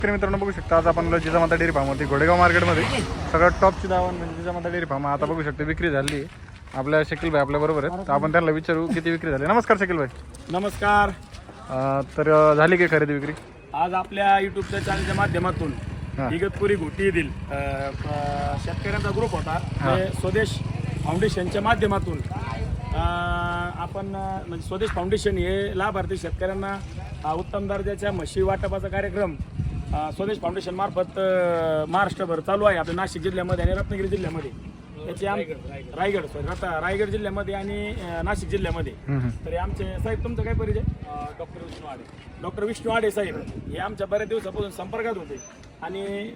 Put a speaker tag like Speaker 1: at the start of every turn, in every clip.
Speaker 1: मित्रांनो बघू शकता आज आपण जिजामाता डेअरी फार्म होती घोडेगाव मार्केटमध्ये सगळं टॉपची दावण म्हणजे जिजामाता डेअरी फार्म आता बघू शकता विक्री झाली आहे. आपल्या शकील भाई आपल्या बरोबर आहेत तर आपण त्यांना विचारू किती विक्री झाली. नमस्कार शकील भाई.
Speaker 2: नमस्कार.
Speaker 1: तर झाली की खरेदी विक्री?
Speaker 2: आज आपल्या युट्यूबच्या चॅनलच्या माध्यमातून इगतपुरी घोटी येथील शेतकऱ्यांचा ग्रुप होता स्वदेश फाउंडेशनच्या माध्यमातून आपण म्हणजे स्वदेश फाउंडेशन हे लाभार्थी शेतकऱ्यांना उत्तम दर्जाच्या म्हशी वाटपाचा कार्यक्रम स्वदेश फाउंडेशन मार्फत महाराष्ट्रभर चालू आहे. आपल्या नाशिक जिल्ह्यामध्ये आणि रत्नागिरी जिल्ह्यामध्ये त्याचे रायगड जिल्ह्यामध्ये आणि नाशिक जिल्ह्यामध्ये. तर आमचे साहेब तुमचा काय परिचय? डॉक्टर विष्णू आडे साहेब हे आमच्या बऱ्याच दिवसापासून संपर्कात होते आणि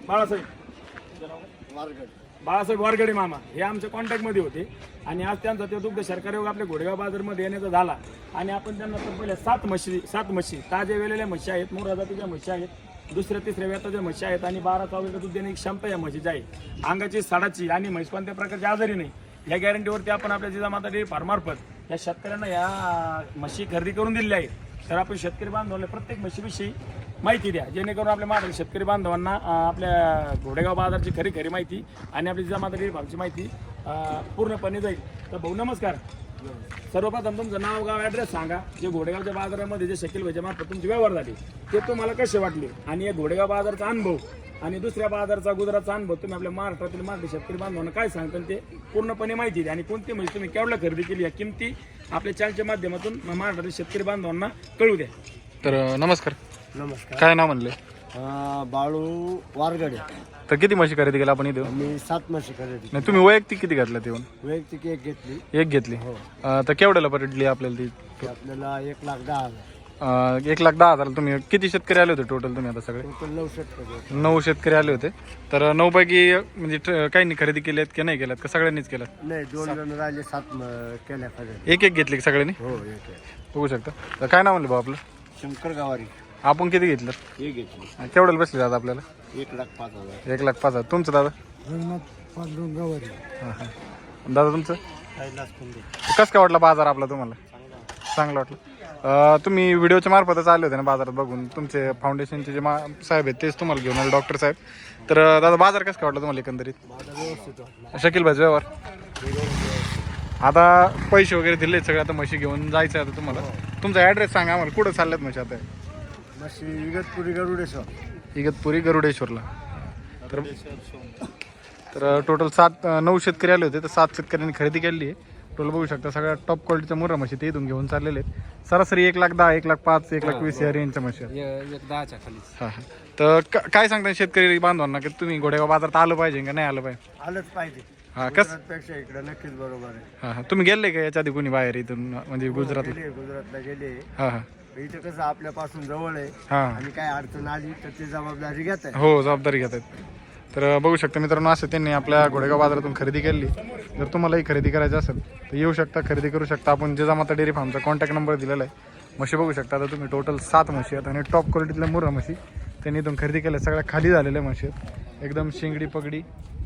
Speaker 2: बाळासाहेब वारगडे मामा हे आमच्या कॉन्टॅक्टमध्ये होते आणि आज त्यांचा ते दुग्ध सरकारी योग आपल्या घोडेगाव बाजारमध्ये येण्याचा झाला आणि आपण त्यांना तर पहिले सात म्हशी ताज्या वेलेल्या म्हशी आहेत, मोरा जातीच्या म्हशी आहेत, दुसऱ्या तिसऱ्या वेताच्या म्हशी आहेत आणि 12 लिटर दूध देण्याची क्षमता या म्हशीची आहे. अंगाची साडाची आणि म्हैस कोणत्या प्रकारची आजारी नाही या गॅरंटीवरती आपण आपल्या जिजामाता डेअरी फार्ममार्फत या शेतकऱ्यांना या म्हशी खरेदी करून दिलेल्या आहेत. तर आपण शेतकरी बांधवांना प्रत्येक म्हशीविषयी माहिती द्या जेणेकरून आपल्या महाराष्ट्र शेतकरी बांधवांना आपल्या घोडेगाव बाजारची खरी माहिती आणि आपली जिजामाता डेअरी फार्मची माहिती पूर्णपणे जाईल. तर भाऊ नमस्कार. सर्वप्रथम तुमचं नाव गाव ॲड्रेस सांगा. जे घोडेगावच्या बाजारामध्ये जे शकील भाईच्या मार्फत तुमचे व्यवहार झाले ते तुम्हाला कसे वाटले आणि या घोडेगाव बाजारचा अनुभव आणि दुसऱ्या बाजारचा गुजरातचा अनुभव तुम्ही आपल्या महाराष्ट्रातील मराठी शेतकरी बांधवांना काय सांगता ते पूर्णपणे माहिती द्या आणि कोणती म्हशी तुम्ही केवढ्या खरेदी केली या किमती आपल्या चॅनलच्या माध्यमातून महाराष्ट्रातील शेतकरी बांधवांना कळू द्या.
Speaker 1: तर नमस्कार.
Speaker 3: नमस्कार.
Speaker 1: काय नाव म्हणले?
Speaker 3: बाळू वारगडे.
Speaker 1: तर किती म्हशी खरेदी केली आपण इथं?
Speaker 3: मी 7 म्हशी खरेदी.
Speaker 1: नाही तुम्ही वैयक्तिक किती घेतला ते?
Speaker 3: वैयक्तिक एक घेतली.
Speaker 1: एक घेतली. तर केवढ्याला पडली आपल्याला ती?
Speaker 3: आपल्याला 1,10,000.
Speaker 1: 1,10,000. तुम्ही किती शेतकरी आले होते टोटल तुम्ही आता सगळे?
Speaker 3: टोटल 9 शेतकरी.
Speaker 1: 9 शेतकरी आले होते. तर 9 पैकी म्हणजे काहींनी खरेदी केली आहेत की नाही केल्यात का सगळ्यांनीच केलं?
Speaker 3: नाही 2 जण राहिले 7 केल्या खरेदी.
Speaker 1: एक घेतली सगळ्यांनी?
Speaker 3: हो एक.
Speaker 1: बघू शकता. तर काय नाव म्हणलं भाऊ आपलं?
Speaker 3: शंकर गावारी.
Speaker 1: आपण किती घेतलं?
Speaker 3: एक घेतली.
Speaker 1: केवढ्याला बसले दादा आपल्याला?
Speaker 3: 1,05,000.
Speaker 1: 1,05,000. तुमचं दादा?
Speaker 3: गावारी.
Speaker 1: दादा तुमचं? कसं काय वाटलं बाजार आपला तुम्हाला? चांगलं वाटलं. तुम्ही व्हिडिओच्या मार्फतच आले होते ना बाजारात बघून. तुमचे फाउंडेशनचे जे साहेब आहेत तेच तुम्हाला घेऊन आले डॉक्टर साहेब. तर दादा बाजार कसं काय वाटलं तुम्हाला एकंदरीत? शकील भाई व्यवहार आता पैसे वगैरे दिले सगळे आता म्हशी घेऊन जायचं आहे आता तुम्हाला. तुमचा ॲड्रेस सांगा आम्हाला. कुठं चालल्यात म्हशी आता?
Speaker 3: म्हशी इगतपुरी गरुडेश्वर.
Speaker 1: इगतपुरी गरुडेश्वरला. तर टोटल 9 शेतकरी आले होते तर 7 शेतकऱ्यांनी खरेदी केली आहे. टोटल बघू शकता सगळ्या टॉप क्वालिटीच्या मुर्रा म्हशी ते इथून घेऊन चाललेले आहेत. सरासरी 1,10,000, 1,05,000, 1,20,000 या रेंजच्या म्हशी आहेत.
Speaker 3: 1,10,000 खाली.
Speaker 1: हां हां. तर काय सांगता शेतकरी बांधवांना की तुम्ही घोडेगाव बाजारात आलं पाहिजे का नाही आलं पाहिजे?
Speaker 3: आलंच पाहिजे.
Speaker 1: हां कसं?
Speaker 3: पेक्षा इकडे नक्कीच बरोबर आहे.
Speaker 1: हां हां. तुम्ही गेले का याच्या आधी कोणी बाहेर इथून म्हणजे गुजरातला?
Speaker 3: गुजरातला गेले.
Speaker 1: हां हां.
Speaker 3: इथं कसं आपल्यापासून जवळ आहे
Speaker 1: हां.
Speaker 3: आणि काय अडचण आली तर ती जबाबदारी घेत आहे.
Speaker 1: हो जबाबदारी घेत आहेत. तर बघू शकता मित्रांनो असं त्यांनी आपल्या घोडेगाव बाजारातून खरेदी केली. जर तुम्हालाही खरेदी करायची असेल तर येऊ शकता, खरेदी करू शकता. आपण जिजामाता डेअरी फार्मचा कॉन्टॅक्ट नंबर दिलेला आहे. म्हशी बघू शकता. आता तुम्ही टोटल 7 म्हशी आहेत आणि टॉप क्वालिटीतल्या मुर्रा म्हशी त्यांनी इथून खरेदी केल्या. सगळ्या खाली झालेल्या म्हशी आहेत. एकदम शिंगडी पगडी